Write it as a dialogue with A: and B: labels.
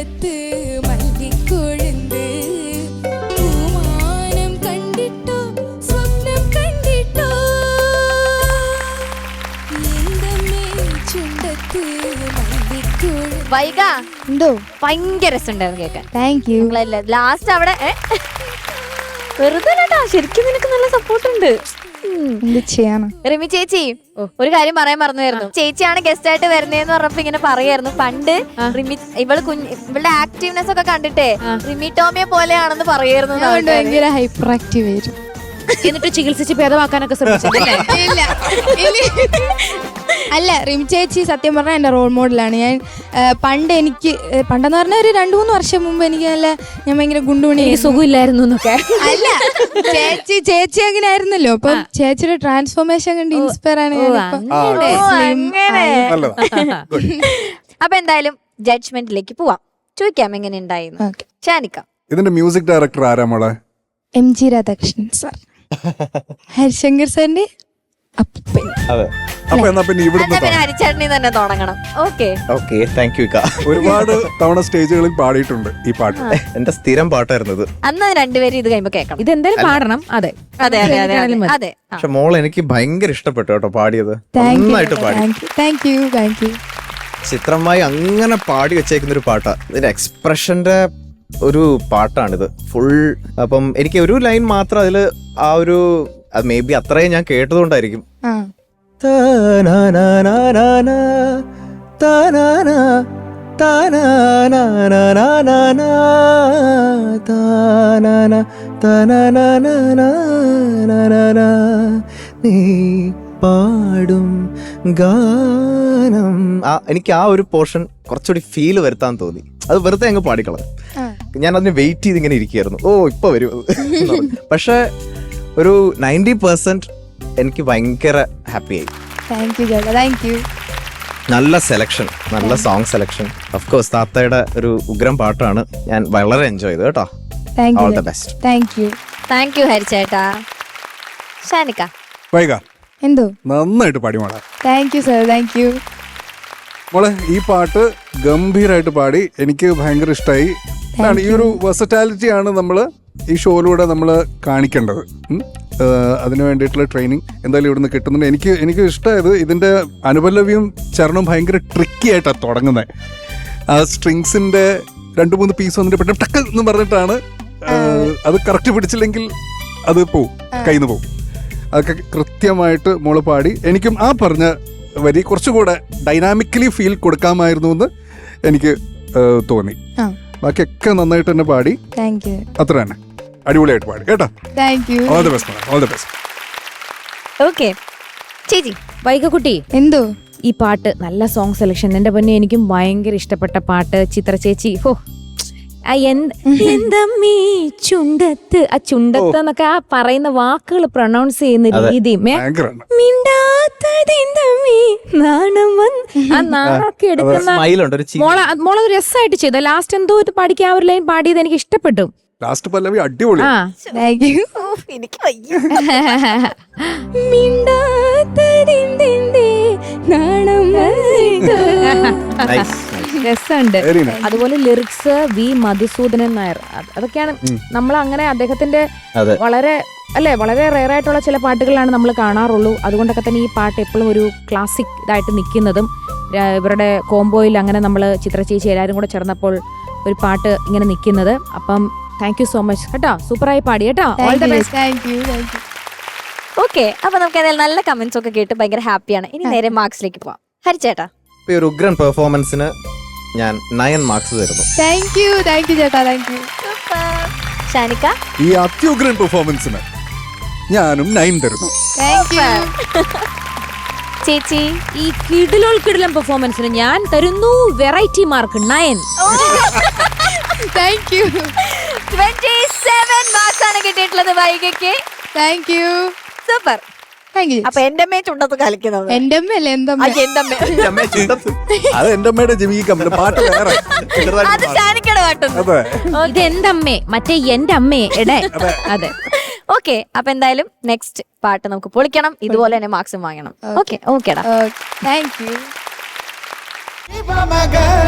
A: ചുണ്ടത്ത് മല്ലിക്കൊഴുന്ത് പൂമാനം കണ്ടിട്ടോ സ്വപ്നം കണ്ടിട്ടോ എന്തമ്മേ ചുണ്ടത്ത് മല്ലിക്കൊഴുന്ത്.
B: വൈക
C: എന്തോ
B: ഭയങ്കര രസമുണ്ടായിരുന്നു കേൾക്കാൻ.
C: Thank you.
B: ലാസ്റ്റ് അവിടെ വെറുതെ അല്ലട്ടാ, ശരിക്കും നിനക്ക് നല്ല സപ്പോർട്ട് ഉണ്ട്.
C: എന്ത് ചെയ്യാനാ.
B: റിമി ചേച്ചി ഒരു കാര്യം പറയാൻ മറന്നുവായിരുന്നു. ചേച്ചിയാണ് ഗസ്റ്റ് ആയിട്ട് വരുന്നതെന്ന് പറഞ്ഞപ്പോ ഇങ്ങനെ പറയായിരുന്നു, പണ്ട് റിമി ഇവളുടെ ആക്റ്റീവ്നെസ് ഒക്കെ കണ്ടിട്ടേ റിമി ടോമിയെ പോലെയാണെന്ന് പറയായിരുന്നു.
C: ഭയങ്കര ഹൈപ്പർ ആക്റ്റീവ് ആയിരുന്നു.
D: എന്നിട്ട് ചികിത്സിച്ച് ഭേദമാക്കാനൊക്കെ ശ്രമിച്ചില്ലേ?
C: അല്ല, റിമി ചേച്ചി സത്യം പറഞ്ഞാൽ എൻ്റെ റോൾ മോഡലാണ്. ഞാൻ പണ്ടെന്ന് പറഞ്ഞാൽ ഒരു 2-3 വർഷം മുമ്പ് എനിക്ക് ഞാൻ ഭയങ്കര ഗുണ്ടുമണി
D: സുഖമില്ലായിരുന്നു എന്നൊക്കെ.
C: അല്ല, ചേച്ചി അങ്ങനെ ആയിരുന്നല്ലോ. അപ്പം ചേച്ചിയുടെ ട്രാൻസ്ഫോർമേഷൻ കണ്ട് ഇൻസ്പയർ ആണ്.
B: അപ്പൊ എന്തായാലും ജഡ്ജ്മെന്റിലേക്ക് പോവാം. ചോദിക്കാം എങ്ങനെ ഉണ്ടായിരുന്നു. ഷാനിക്ക,
E: ഇതിന്റെ മ്യൂസിക് ഡയറക്ടർ ആരാ മോളെ?
C: MG രാധാകൃഷ്ണൻ സാർ, ഹരിശങ്കർ സാറിന്റെ അപ്പൻ.
E: അപ്പൊ എന്നാ പിന്നെ ഇവിടുന്ന്
B: പിന്നെ ഹരിച്ചേട്ടനി തന്നെ തുടങ്ങണം.
F: Okay, thank you.
E: ഒരുപാട് തവണ സ്റ്റേജുകളിൽ പാടിയിട്ടുണ്ട് ഈ പാട്ട്.
F: എന്റെ സ്ഥിരം പാട്ടായിരുന്നു ഇത്.
B: അന്ന് രണ്ടുപേരും ഇത് കഴിയുമ്പോ കേൾക്കണം.
D: ഇതെന്തായാലും പാടണം. അതെ
B: അതെ അതെ അതെ അതെ.
F: പക്ഷെ മോൾ എനിക്ക് ഭയങ്കര ഇഷ്ടപ്പെട്ടു കേട്ടോ പാടിയത്. നന്നായിട്ട് പാടി.
C: Thank you.
F: ചിത്രമായി അങ്ങനെ പാടി വെച്ചേക്കുന്ന ഒരു പാട്ടാ. ഇതിന്റെ എക്സ്പ്രഷന്റെ ഒരു പാട്ടാണിത് ഫുൾ. അപ്പം എനിക്ക് ഒരു ലൈൻ മാത്രം അതില് ആ ഒരു, അത് മേ ബി അത്രയും ഞാൻ കേട്ടതുകൊണ്ടായിരിക്കും. നീ പാടും ഗാനം, എനിക്ക് ആ ഒരു പോർഷൻ കുറച്ചുകൂടി ഫീൽ വരുത്താൻ തോന്നി. അത് വെറുതെ അങ്ങ് പാടിക്കളഞ്ഞു. ഞാൻ അതിന് വെയിറ്റ് ചെയ്ത് ഇങ്ങനെ ഇരിക്കുകയായിരുന്നു. ഇപ്പൊ വരും. പക്ഷെ ഒരു 90% എനിക്ക് ഭയങ്കര ഹാപ്പി ആയി.
C: Thank you.
F: നല്ല സെലക്ഷൻ, നല്ല സോങ് സെലക്ഷൻ. ഓഫ് കോഴ്സ് താത്തയുടെ ഒരു ഉഗ്രം പാട്ടാണ്. ഞാൻ വളരെ എൻജോയ് ചെയ്തു കേട്ടോ. All the best.
B: Thank you ഹരിച്ചേട്ടാ. ഷാനിക്ക,
E: വൈക
C: എന്തോ
E: നന്നായിട്ട് പാടി മോളെ.
C: Thank you sir, thank you
E: മോളെ. ഈ പാട്ട് ഗംഭീരമായിട്ട് പാടി, എനിക്ക് ഭയങ്കര ഇഷ്ടമായി. ഈ ഒരു വെർസറ്റാലിറ്റി ആണ് നമ്മൾ ഈ ഷോയിലൂടെ നമ്മൾ കാണിക്കേണ്ടത്. അതിനു വേണ്ടിയിട്ടുള്ള ട്രെയിനിങ് എന്തായാലും ഇവിടുന്ന് കിട്ടുന്നുണ്ട്. എനിക്ക് ഇഷ്ടമായത് ഇതിൻ്റെ അനുപല്ലവിയും ചരണവും ഭയങ്കര ട്രിക്കി ആയിട്ടാണ് തുടങ്ങുന്നത്. ആ സ്ട്രിങ്സിൻ്റെ 2-3 പീസ് വന്നിട്ട് പെട്ടെന്ന് ടക്ക് എന്ന് പറഞ്ഞിട്ടാണ്. അത് കറക്റ്റ് പിടിച്ചില്ലെങ്കിൽ അത് പോവും, കയ്യിൽ നിന്ന് പോവും. അതൊക്കെ കൃത്യമായിട്ട് മോള് പാടി. എനിക്കും ആ പറഞ്ഞ വരി കുറച്ചുകൂടെ ഡൈനാമിക്കലി ഫീൽ കൊടുക്കാമായിരുന്നു എന്ന് എനിക്ക് തോന്നി. ബാക്കിയൊക്കെ നന്നായിട്ട് തന്നെ പാടി. അത്ര തന്നെ അടിപൊളിയായിട്ട് പാടി കേട്ടോ. All the best, all the best.
B: Okay ചേച്ചി.
D: വൈകക്കുട്ടി,
C: എന്തോ
D: ഈ പാട്ട് നല്ല സോങ് സെലക്ഷൻ. എന്റെ പൊന്നെ, എനിക്കും ഭയങ്കര ഇഷ്ടപ്പെട്ട പാട്ട്. ചിത്ര ചേച്ചി, എന്തമ്മീ ചുണ്ടത്ത്, ആ ചുണ്ടത്ത് എന്നൊക്കെ ആ പറയുന്ന വാക്കുകൾ പ്രൊണൗൺസ് ചെയ്യുന്ന രീതിയും മിണ്ടാത്തതെന്തമ്മീ നാണം ആ നാണൊക്കെ എടുക്കുന്ന മോളത് രസമായിട്ട് ചെയ്ത. ലാസ്റ്റ് എന്തോ ഇത് പാടിക്കാൻ ആ ഒരു ലൈൻ പാടിയത് എനിക്ക് ഇഷ്ടപ്പെട്ടു.
E: ലാസ്റ്റ് പല്ലവി അടിപൊളി.
B: എനിക്ക് വയ്യ.
D: രസമുണ്ട്. അതുപോലെ ലിറിക്സ് വി മധുസൂദനൻ നായർ. അതൊക്കെയാണ് നമ്മൾ അങ്ങനെ അദ്ദേഹത്തിന്റെ വളരെ റെയർ ആയിട്ടുള്ള ചില പാട്ടുകളാണ് നമ്മൾ കാണാറുള്ളൂ. അതുകൊണ്ടൊക്കെ തന്നെ ഈ പാട്ട് എപ്പോഴും ഒരു ക്ലാസിക് ഇതായിട്ട് നിൽക്കുന്നതും ഇവരുടെ കോംബോയിൽ അങ്ങനെ നമ്മൾ ചിത്രചേച്ചി എല്ലാവരും കൂടെ ചേർന്നപ്പോൾ ഒരു പാട്ട് ഇങ്ങനെ നിൽക്കുന്നത്. അപ്പം താങ്ക് യു സോ മച്ച് കേട്ടോ. സൂപ്പറായി പാടി കേട്ടോ. All the best.
B: ഓക്കെ, അപ്പൊ നമുക്ക് ഏതായാലും നല്ല കമന്റ്സ് ഒക്കെ കേട്ട് ഭയങ്കര ഹാപ്പിയാണ്. ഇനി നേരെ മാർക്സിലേക്ക് പോവാം. ഹരിച്ചേട്ടാ,
F: ഒരു ഉഗ്രൻ പെർഫോമൻസിന് ഞാൻ 9 മാർക്സ് തരുന്നു.
C: താങ്ക് യു ചേട്ടാ, താങ്ക് യു.
B: ഷാനിക്ക,
E: ഈ അത്യുഗ്രൻ പെർഫോമൻസിന് ഞാനും 9 തരുന്നു.
B: ചേച്ചി,
D: ഈ കിടിലം പെർഫോമൻസിന് ഞാൻ തരുന്നു variety mark 9.
C: Thank you.
B: 27 marks ആണ് കിട്ടിയിട്ടുള്ളത് വൈകയ്ക്ക്.
C: Thank you.
B: സൂപ്പർ. അപ്പൊ എന്റെ അമ്മയെ ചുണ്ടത്ത് കളിക്കുന്നത്.
C: എന്റെ അമ്മയല്ലേ?
E: അത് എന്റെ അമ്മയുടെ ജമീകമ്മ പാട്ട് വേറെ.
B: അത് ഷാനിക്കയുടെ പാട്ടൊന്നും.
D: ഇത് എന്റെ അമ്മേ, മറ്റേ എന്റെ അമ്മയെ എടേ. അതെ.
B: ഓക്കെ, അപ്പൊ എന്തായാലും നെക്സ്റ്റ് പാട്ട് നമുക്ക് പൊളിക്കണം. ഇതുപോലെ തന്നെ മാർക്സും വാങ്ങണം. ഓക്കെ, ഓക്കേടാ.
C: Thank U.